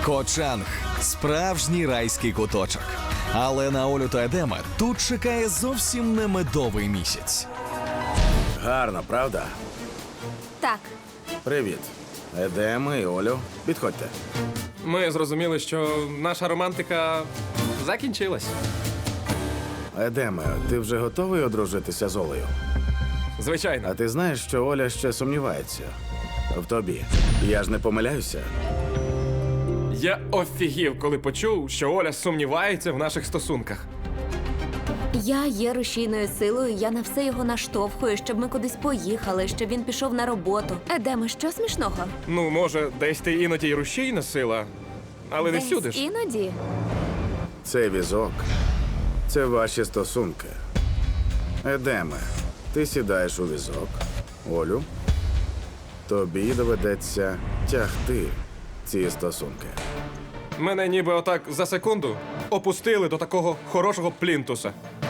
Кочанг – справжній райський куточок. Але на Олю та Едема тут чекає зовсім не медовий місяць. Гарно, правда? Так, Привіт. Едема і Олю, підходьте. Ми зрозуміли, що наша романтика закінчилась. Едеме, ти вже готовий одружитися з Олею? Звичайно. А ти знаєш, що Оля ще сумнівається в тобі. Я ж не помиляюся. Я офігів, коли почув, що Оля сумнівається в наших стосунках. я є рушійною силою, я на все його наштовхую, щоб ми кудись поїхали, щоб він пішов на роботу. Едеме, що смішного? Ну, може, десь ти іноді й рушійна сила, але не Десь всюди ж. іноді. Цей візок – це ваші стосунки. Едеме, ти сідаєш у візок. Олю, тобі доведеться тягти ці стосунки. Мене ніби отак за секунду опустили до такого хорошого плінтуса.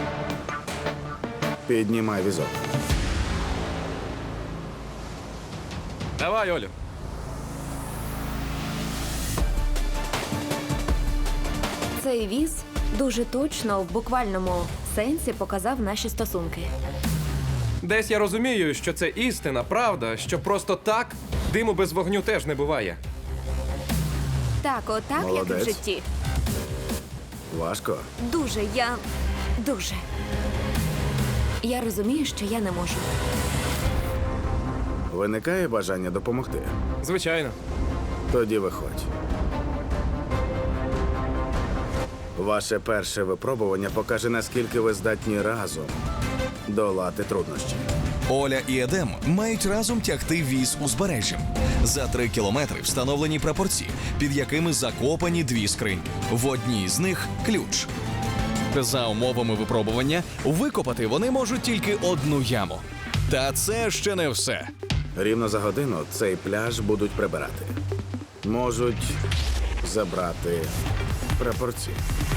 Піднімай візок. Давай, Олю. Цей віз дуже точно в буквальному сенсі показав наші стосунки. Десь я розумію, що це істина, правда, що просто так диму без вогню теж не буває. Так, отак, як і в Молодець. житті. Важко? Дуже. Я розумію, що я не можу. Виникає бажання допомогти? Звичайно. Тоді виходь. Ваше перше випробування покаже, наскільки ви здатні разом долати труднощі. Оля і Едем мають разом тягти віз узбережжям. За 3 кілометри встановлені прапорці, під якими закопані 2 скриньки. В одній з них – ключ. За умовами випробування, викопати вони можуть тільки одну яму. Та це ще не все. Рівно за годину цей пляж будуть прибирати. Можуть забрати прапорці.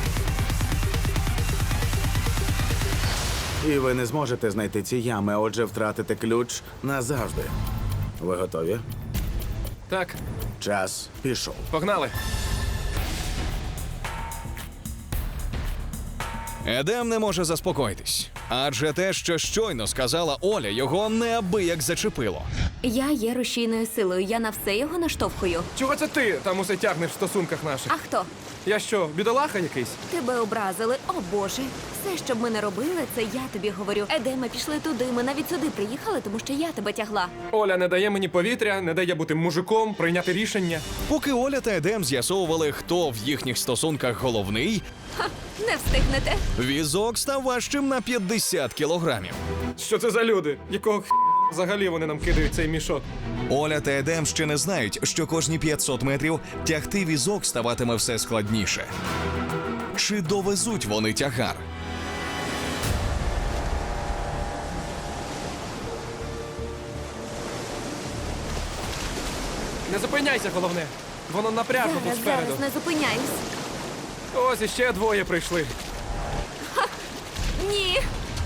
І ви не зможете знайти ці ями, а отже втратите ключ назавжди. Ви готові? Так, Час пішов. погнали. Едем не може заспокоїтись. Адже те, що щойно сказала Оля, його неабияк зачепило. Я є рушійною силою, я на все його наштовхую. Чого це ти там усе тягнеш в стосунках наших? А хто? Я що, бідолаха якийсь? Тебе образили, о Боже. Все, що б ми не робили, це я тобі говорю. Едеме, пішли туди, ми навіть сюди приїхали, тому що я тебе тягла. Оля не дає мені повітря, не дає бути мужиком, прийняти рішення. Поки Оля та Едем з'ясовували, хто в їхніх стосунках головний, Не встигнете. візок став важчим на 50 кілограмів. Що це за люди? Якого взагалі вони нам кидають цей мішок? Оля та Едем ще не знають, що кожні 500 метрів тягти візок ставатиме все складніше. Чи довезуть вони тягар? Не зупиняйся, головне. Воно напряжно тут Зараз, спереду. зараз, не зупиняюсь. Ось іще 2 прийшли. Ні.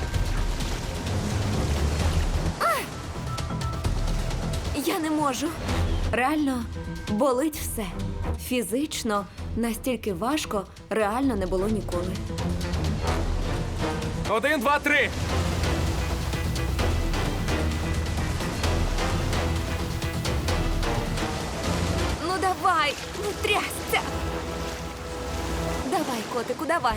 Я не можу. Реально болить все. Фізично настільки важко реально не було ніколи. 1, 2, 3. Ну давай, ну трясся. Давай, котику, давай.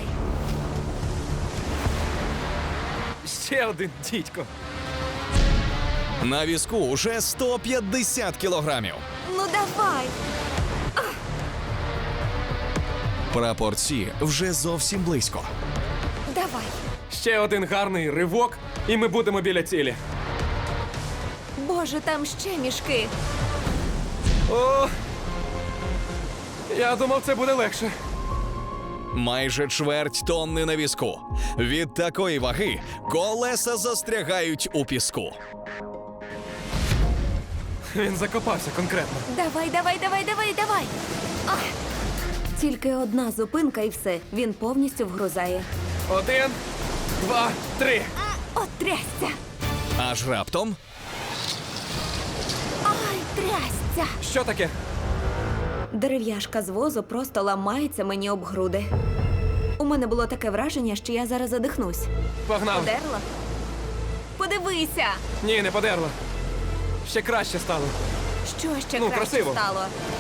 Ще один дідько. На візку уже 150 кілограмів. Ну давай. Прапорці вже зовсім близько. Давай. Ще один гарний ривок, і ми будемо біля цілі. Боже, там ще мішки. О! Я думав, це буде легше. Майже чверть тонни на візку. Від такої ваги колеса застрягають у піску. Він закопався конкретно. Давай, давай, давай, давай, давай. Ах. Тільки одна зупинка і все. Він повністю вгрузає. 1, 2, 3. От трясся. Аж раптом Ай, трясся. Що таке? Дерев'яшка з возу просто ламається мені об груди. У мене було таке враження, що я зараз задихнусь. Погнав. Подерла? Подивися! Ні, не подерла. Ще краще стало. Що ще Ну, краще красиво. стало?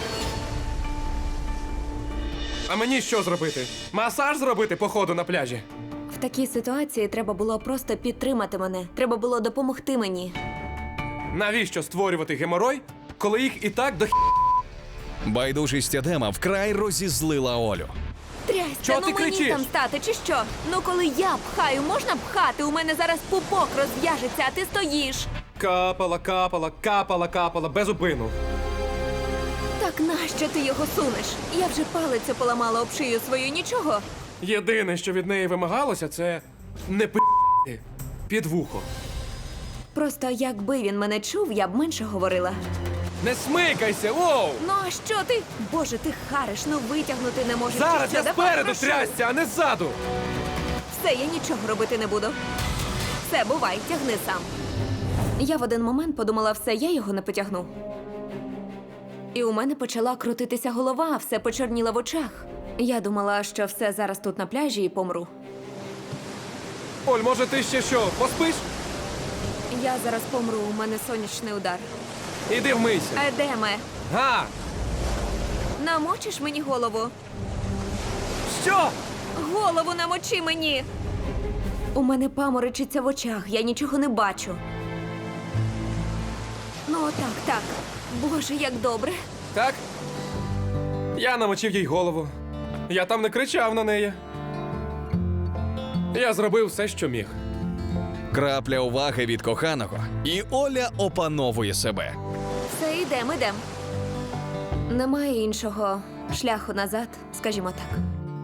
А мені що зробити? Масаж зробити по ходу на пляжі? В такій ситуації треба було просто підтримати мене. Треба було допомогти мені. Навіщо створювати геморой, коли їх і так до Байдужість Едема вкрай розізлила Олю. Трясся, Чого ну ти мені кричиш? там стати, чи що? Ну коли я пхаю, можна пхати? У мене зараз пупок розв'яжеться, а ти стоїш. капала, капала, капала, капала, без упину. Так нащо ти його сунеш? Я вже палицю поламала об шию свою, нічого. Єдине, що від неї вимагалося, це не під вухо. Просто якби він мене чув, я б менше говорила. Не смикайся, воу! Ну а що ти? Боже, ти хариш, ну витягнути не можеш. Зараз чи що? я Давай, спереду прошу. трясся, а не ззаду! Все, я нічого робити не буду. Все, бувай, тягни сам. Я в один момент подумала, все, я його не потягну. І у мене почала крутитися голова, все почорніло в очах. Я думала, що все зараз тут на пляжі і помру. Оль, може ти ще що, поспиш? Я зараз помру, у мене сонячний удар. Іди вмийся. Едеме, Га! намочиш мені голову? Що? Голову намочи мені! У мене паморочиться в очах, я нічого не бачу. Ну, так. Боже, як добре. Так? Я намочив їй голову. Я там не кричав на неї. Я зробив все, що міг. Крапля уваги від коханого, і Оля опановує себе. Все, йдем. Немає іншого шляху назад, скажімо так.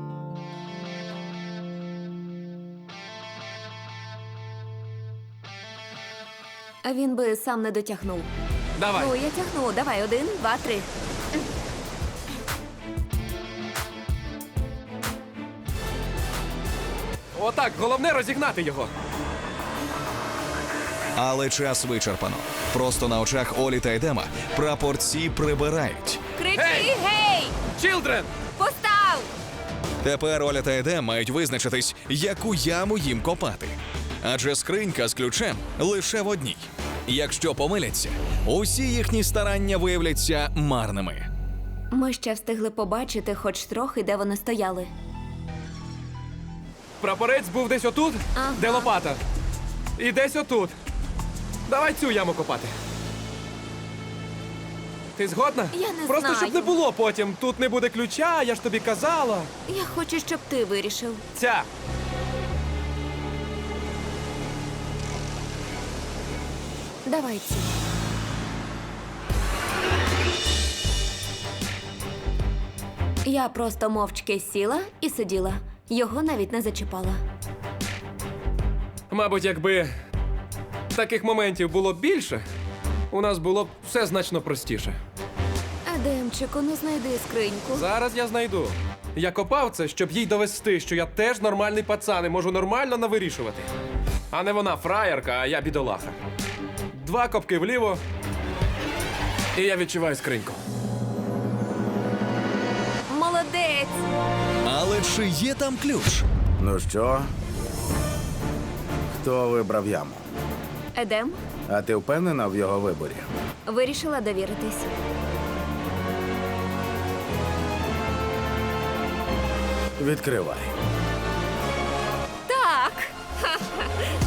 А він би сам не дотягнув. Давай. Ну, я тягну. Давай, 1, 2, 3. Отак, головне розігнати його. Але час вичерпано. Просто на очах Олі та Едема прапорці прибирають. Кричи, Гей! гей! Чілдрен! Постав! Тепер Оля та Едем мають визначитись, яку яму їм копати. Адже скринька з ключем лише в одній. Якщо помиляться, усі їхні старання виявляться марними. Ми ще встигли побачити хоч трохи, де вони стояли. Прапорець був десь отут, Ага. де лопата. І десь отут. Давай цю яму копати. Ти згодна? Я не Просто знаю. щоб не було потім. Тут не буде ключа, я ж тобі казала. Я хочу, щоб ти вирішив. Ця. Давай ці. Я просто мовчки сіла і сиділа. Його навіть не зачіпала. Мабуть, якби таких моментів було більше, у нас було б все значно простіше. Едемчику, ну знайди скриньку. Зараз я знайду. Я копав це, щоб їй довести, що я теж нормальний пацан і можу нормально навирішувати. А не вона фраєрка, а я бідолаха. 2 копки вліво, і я відчуваю скриньку. Молодець! Але чи є там ключ? Ну що? Хто вибрав яму? Едем, А ти впевнена в його виборі? вирішила довіритись. Відкривай. Так! Ха-ха.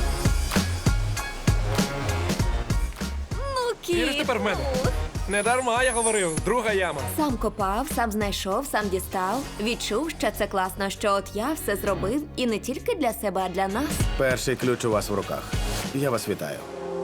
Ну, кіт, Віриш тепер в мене? ну. Не дарма я говорив, друга яма. Сам копав, сам знайшов, сам дістав. Відчув, що це класно, що от я все зробив і не тільки для себе, а для нас. Перший ключ у вас в руках. Я вас вітаю.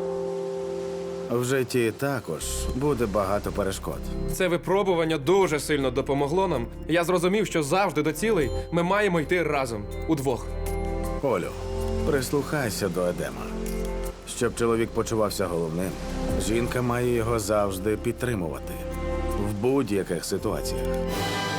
В житті також буде багато перешкод. Це випробування дуже сильно допомогло нам. Я зрозумів, що завжди до цілей ми маємо йти разом, удвох. Олю, прислухайся до Едема. Щоб чоловік почувався головним, жінка має його завжди підтримувати в будь-яких ситуаціях.